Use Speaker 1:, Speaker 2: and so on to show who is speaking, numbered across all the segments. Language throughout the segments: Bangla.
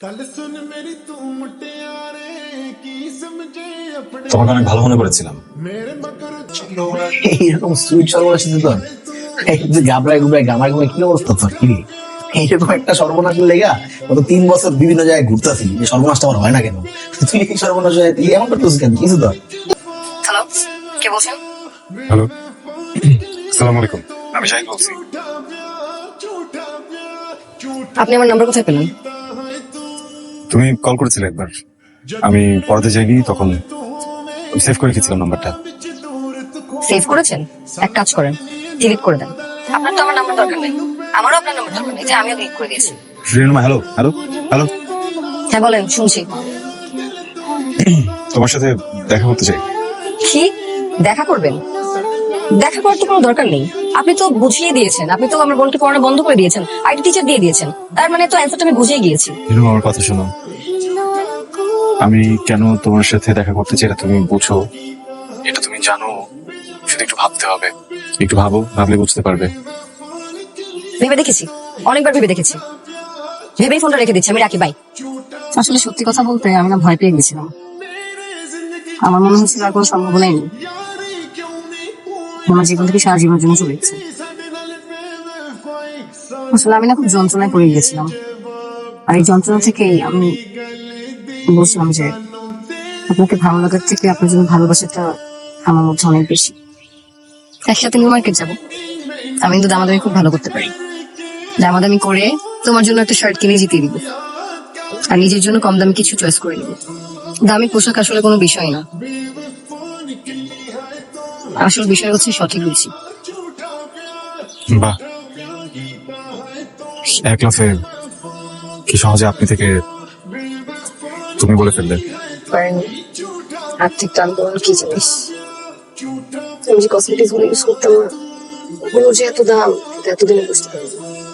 Speaker 1: তোমাকে অনেক ভালো মনে করেছিলাম।
Speaker 2: এইরকম সুইট সর্বনাশ তোর, এই যে গাবড়ায় গুবড়ায় গামায় গুমায় কি অবস্থা তোর? কি এইরকম একটা সর্বনাশের লেগা গত 3 বছর বিভিন্ন জায়গায় ঘুরতেছি, এই সর্বনাশটা আমার হয় না কেন? তুই এই সর্বনাশ হয় তুই এমন করতেছিস কেন? কিছু তোর?
Speaker 3: হ্যালো, কে বলছেন?
Speaker 1: হ্যালো, আসসালামু আলাইকুম। আমি শাহিন বলছি।
Speaker 3: আপনি আমার নাম্বার কোথায় পেলেন?
Speaker 1: তুমি কল করেছিলে একবার, আমি পড়াতে যাইনি, তখন সেভ করে রেখেছিলাম নাম্বারটা।
Speaker 3: সেভ করেছেন? এক কাজ করেন, ডিলিট করে দেন। আপনার তো আমার নাম্বার দরকার নেই, আমারও আপনার নাম্বার দরকার নেই, যে আমিও ডিলিট করে দিয়েছি।
Speaker 1: রিনুমা, হ্যালো হ্যালো হ্যালো,
Speaker 3: হ্যাঁ বলেন, শুনছি।
Speaker 1: তোমার সাথে দেখা করতে চাই।
Speaker 3: কি দেখা করবেন? দেখা করার তো কোনো দরকার নেই, আপনি তো বুঝিয়ে দিয়েছেন, আপনি তো আমার বোনকে পড়ানো বন্ধ করে দিয়েছেন, আইটি টিচার দিয়ে দিয়েছেন, তার মানে তো অ্যান্সারটা আমি বুঝিয়ে গিয়েছি।
Speaker 1: রিনুমা, আমার কথা শোনো। আমি কেন তোমার সাথে দেখা করতে চাই এটা তুমি বুঝো, এটা তুমি জানো, শুধু একটু ভাবতে হবে। একটু ভাবো, ভাবলে বুঝতে পারবে।
Speaker 3: ভেবে দেখেছি, অনেকবার ভেবে দেখেছি, ভেবেই ফোনটা রেখে দিচ্ছি, আমি রাখি, বাই। আসলে সত্যি কথা বলতে আমি না ভয় পেয়ে গেছিলাম, আমার মনে হচ্ছিল আর কোনো সম্ভাবনাই নেই, আমার জীবন থেকে সারা জীবনের জন্য চলে গেছে। আসলে আমি না খুব যন্ত্রণায় পড়ে গিয়েছিলাম, আর এই যন্ত্রণা থেকেই আমি বলছিলাম যে আপনাকে ভালো লাগার থেকে আপনার জন্য ভালোবাসাটা আমার মধ্যে অনেক বেশি। একসাথে নিউ মার্কেট যাবো, আমি কিন্তু দামাদামি খুব ভালো করতে পারি, দামাদামি করে তোমার জন্য একটা শার্ট কিনে জিতিয়ে দিব, আর নিজের জন্য কম দামি কিছু চয়েস করে নিব। দামি পোশাক আসলে কোনো বিষয় না, আসল বিষয় হচ্ছে সঠিক রুচি।
Speaker 1: বাহ, এক লাফে কি সহজে আপনি থেকে তুমি বলে ফেললে।
Speaker 3: আর্থিক আন্দোলন কি জিনিস, আমি যে কসমেটিক্স গুলো ইউজ করতাম না, ওগুলো যে এত দাম এতদিনে বুঝতে পারি।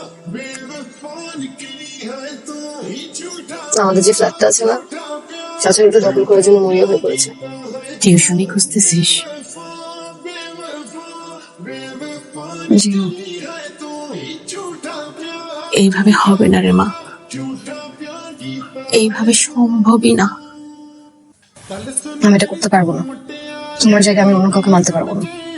Speaker 3: আমাদের যে ফ্ল্যাটটা আছে না, চাচার ওটা দখল করার জন্য মরিয়া হয়ে পড়েছে।
Speaker 4: টিউশনি খুঁজতেছিস? জি, এইভাবে হবে না রে মা, এইভাবে সম্ভবই না।
Speaker 3: আমি এটা করতে পারবো না, তোমার জায়গায় আমি অন্য কাউকে মানতে পারবো না।